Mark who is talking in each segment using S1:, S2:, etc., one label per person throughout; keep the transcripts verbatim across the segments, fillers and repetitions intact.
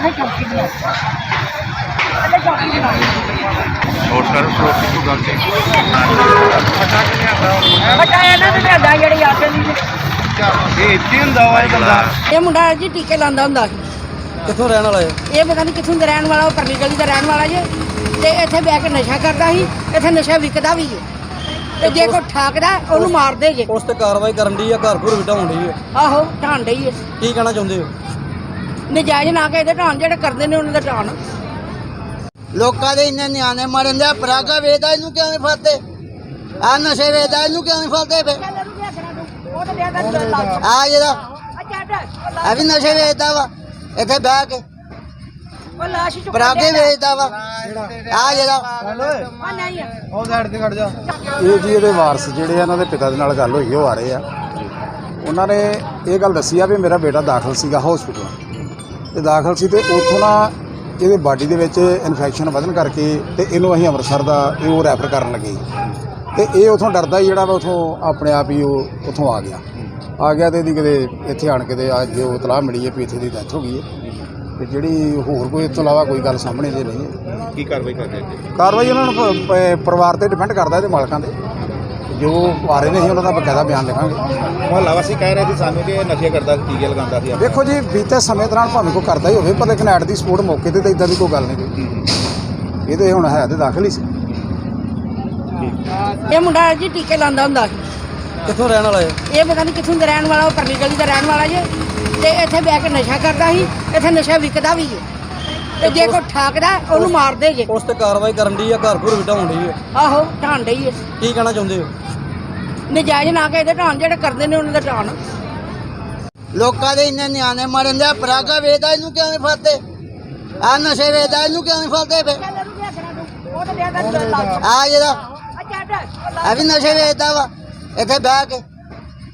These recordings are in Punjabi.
S1: और सर फ्रोट की गल से
S2: ਇਹ ਮੁੰਡਾ ਜੀ ਟੀਕੇ ਲਾਉਂਦਾ ਹੁੰਦਾ ਸੀ।
S3: ਕਿੱਥੋਂ ਰਹਿਣ ਵਾਲਾ ਹੈ?
S2: ਇਹ ਪਤਾ ਨਹੀਂ ਕਿੱਥੋਂ ਦਾ ਰਹਿਣ ਵਾਲਾ, ਉਹ ਪਰਲੀ ਗਲੀ ਦਾ ਰਹਿਣ ਵਾਲਾ ਜੇ। ਤੇ ਇੱਥੇ ਬਹਿ ਕੇ ਨਸ਼ਾ ਕਰਦਾ ਸੀ, ਇੱਥੇ ਨਸ਼ਾ ਵਿਕਦਾ ਵੀ ਹੈ। ਤੇ ਜੇ ਕੋਈ ਠਾਕਦਾ ਉਹਨੂੰ ਮਾਰਦੇ ਜੇ।
S3: ਉਸ ਤੇ ਕਾਰਵਾਈ ਕਰਨ ਦੀ ਆ, ਘਰ ਘਰ ਵਿਟਾਉਣ ਦੀ ਹੈ।
S2: ਆਹੋ ਢਾਣ ਡਈ ਹੈ।
S3: ਕੀ ਕਹਿਣਾ ਚਾਹੁੰਦੇ ਹੋ?
S2: ਨਜਾਇਜ਼ ਨਾ ਕੇ ਇਹਦੇ ਢਾਣ, ਜਿਹੜੇ ਕਰਦੇ ਨੇ ਉਹਨਾਂ ਦਾ ਢਾਣ।
S4: ਲੋਕਾਂ ਦੇ ਇੰਨੇ ਨਿਆਣੇ ਮਰਨ ਦੇ, ਪਰਾਗਾ ਵੇਚਦਾ ਇਹਨੂੰ ਕਿਉਂ ਨਹੀਂ ਫੜਦੇ? ਆ ਨਸ਼ੇ ਵੇਚਦਾ ਇਹਨੂੰ ਕਿਉਂ ਨਹੀਂ ਫੜਦੇ ਫੇ? ਆ ਜਿਹੜਾ ਆ ਵੀ ਨਸ਼ੇ ਵੇਚਦਾ ਵਾ ਇੱਥੇ ਬਹਿ ਕੇ, ਪਰਾਗੇ ਵੇਚਦਾ ਵਾ ਆ ਜਿਹੜਾ।
S3: ਉਹ ਸਾਈਡ ਤੇ ਖੜ ਜਾ।
S5: ਇਹ ਜੀ ਇਹਦੇ ਵਾਰਸ ਜਿਹੜੇ ਆ, ਇਹਨਾਂ ਦੇ ਪਿਤਾ ਦੇ ਨਾਲ ਗੱਲ ਹੋਈ, ਉਹ ਆ ਰਹੇ ਆ। ਉਹਨਾਂ ਨੇ ਇਹ ਗੱਲ ਦੱਸੀ ਆ ਵੀ ਮੇਰਾ ਬੇਟਾ ਦਾਖਲ ਸੀਗਾ ਹਸਪੀਟਲ, ਤੇ ਦਾਖਲ ਸੀ ਤੇ ਉੱਥੋਂ ਨਾ ਇਹਦੇ ਬਾਡੀ ਦੇ ਵਿੱਚ ਇਨਫੈਕਸ਼ਨ ਵਧਣ ਕਰਕੇ ਤੇ ਇਹਨੂੰ ਅਸੀਂ ਅੰਮ੍ਰਿਤਸਰ ਦਾ ਇਹ ਉਹ ਰੈਫਰ ਕਰਨ ਲੱਗੇ। ਤੇ ਇਹ ਉੱਥੋਂ ਡਰਦਾ ਹੀ ਜਿਹੜਾ ਵਾ ਉੱਥੋਂ ਆਪਣੇ ਆਪ ਹੀ ਉਹ ਉੱਥੋਂ ਆ ਗਿਆ ਆ ਗਿਆ ਤੇ ਇਹਦੀ ਕਿਤੇ ਇੱਥੇ ਆਣ ਕੇ ਤੇ ਅੱਜ ਉਹ ਇਤਲਾਹ ਮਿਲੀ ਹੈ ਵੀ ਇੱਥੇ ਦੀ ਡੈਥ ਹੋ ਗਈ ਹੈ। ਤੇ ਜਿਹੜੀ ਹੋਰ ਕੋਈ ਇਸ ਤੋਂ ਇਲਾਵਾ ਕੋਈ ਗੱਲ ਸਾਹਮਣੇ ਜੇ ਨਹੀਂ ਹੈ।
S1: ਕੀ ਕਾਰਵਾਈ ਕਰਦੇ ਜੀ?
S5: ਕਾਰਵਾਈ ਉਹਨਾਂ ਨੂੰ ਪ- ਪ- ਪਰਿਵਾਰ ਤੇ ਡਿਪੈਂਡ ਕਰਦਾ, ਇਹਦੇ ਮਾਲਕਾਂ ਦੇ ਜੋ ਆ ਰਹੇ ਨੇ ਅਸੀਂ ਉਹਨਾਂ ਦਾ ਬਕਾਇਦਾ ਬਿਆਨ ਲਿਖਾਂਗੇ।
S1: ਮੁਹੱਲਾ ਵਾਸੀ ਕਹਿ ਰਹੇ ਸੀ ਸਾਨੂੰ ਕਿ ਇਹ ਨਸ਼ੇ ਕਰਦਾ ਸੀ, ਟੀਕੇ ਲਗਾਉਂਦਾ ਸੀ।
S5: ਦੇਖੋ ਜੀ, ਬੀਤੇ ਸਮੇਂ ਦੌਰਾਨ ਭਾਵੇਂ ਕੋਈ ਕਰਦਾ ਹੀ ਹੋਵੇ, ਪਰ ਲੇਕਿਨ ਐਟ ਦੀ ਸਪੋਰਟ ਮੌਕੇ ਤੇ ਤਾਂ ਇਦਾਂ ਦੀ ਕੋਈ ਗੱਲ ਨਹੀਂ ਕੋਈ। ਇਹ ਤੇ ਹੁਣ ਹੈ ਤੇ ਦਾਖਲ ਹੀ ਸੀ।
S2: ਇਹ ਮੁੰਡਾ ਜੀ ਟੀਕੇ ਲਾਉਂਦਾ ਹੁੰਦਾ ਸੀ।
S3: ਕਿੱਥੋਂ ਰਹਿਣ ਵਾਲਾ ਹੈ?
S2: ਇਹ ਪਤਾ ਨਹੀਂ ਕਿੱਥੋਂ ਦਾ ਰਹਿਣ ਵਾਲਾ, ਉਹ ਪਰਲੀ ਗਲੀ ਦਾ ਰਹਿਣ ਵਾਲਾ ਜੇ। ਤੇ ਇੱਥੇ ਬਹਿ ਕੇ ਨਸ਼ਾ ਕਰਦਾ ਸੀ, ਇੱਥੇ ਨਸ਼ਾ ਵਿਕਦਾ ਵੀ ਹੈ। ਤੇ ਜੇ ਕੋਈ ਠਾਕਦਾ ਉਹਨੂੰ ਮਾਰਦੇ ਜੇ।
S3: ਉਸ ਤੇ ਕਾਰਵਾਈ ਕਰਨ ਦੀ ਆ, ਘਰ ਘਰ ਵਿਟਾਉਣ ਦੀ ਹੈ।
S2: ਆਹੋ ਢਾਣ ਡਈ ਹੈ।
S3: ਕੀ ਕਹਿਣਾ ਚਾਹੁੰਦੇ ਹੋ?
S2: ਨਜਾਇਜ਼ ਨਾ ਕੇ ਇਹਦੇ ਢਾਣ, ਜਿਹੜੇ ਕਰਦੇ ਨੇ ਉਹਨਾਂ ਦਾ ਢਾਣ।
S4: ਲੋਕਾਂ ਦੇ ਇੰਨੇ ਨਿਆਣੇ ਮਰਨ ਦੇ, ਪਰਾਗਾ ਵੇਚਦਾ ਇਹਨੂੰ ਕਿਉਂ ਨਹੀਂ ਫੜਦੇ? ਆ ਨਸ਼ੇ ਵੇਚਦਾ ਇਹਨੂੰ ਕਿਉਂ ਨਹੀਂ ਫੜਦੇ ਫੇ? ਆ ਜਿਹੜਾ ਆ ਵੀ ਨਸ਼ੇ ਵੇਚਦਾ ਵਾ ਇੱਥੇ ਬਹਿ ਕੇ,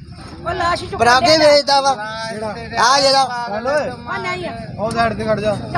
S4: ਪਰਾਗੇ ਵੇਚਦਾ ਵਾ ਆ ਜਿਹੜਾ।
S3: ਉਹ ਸਾਈਡ ਤੇ ਖੜ ਜਾ।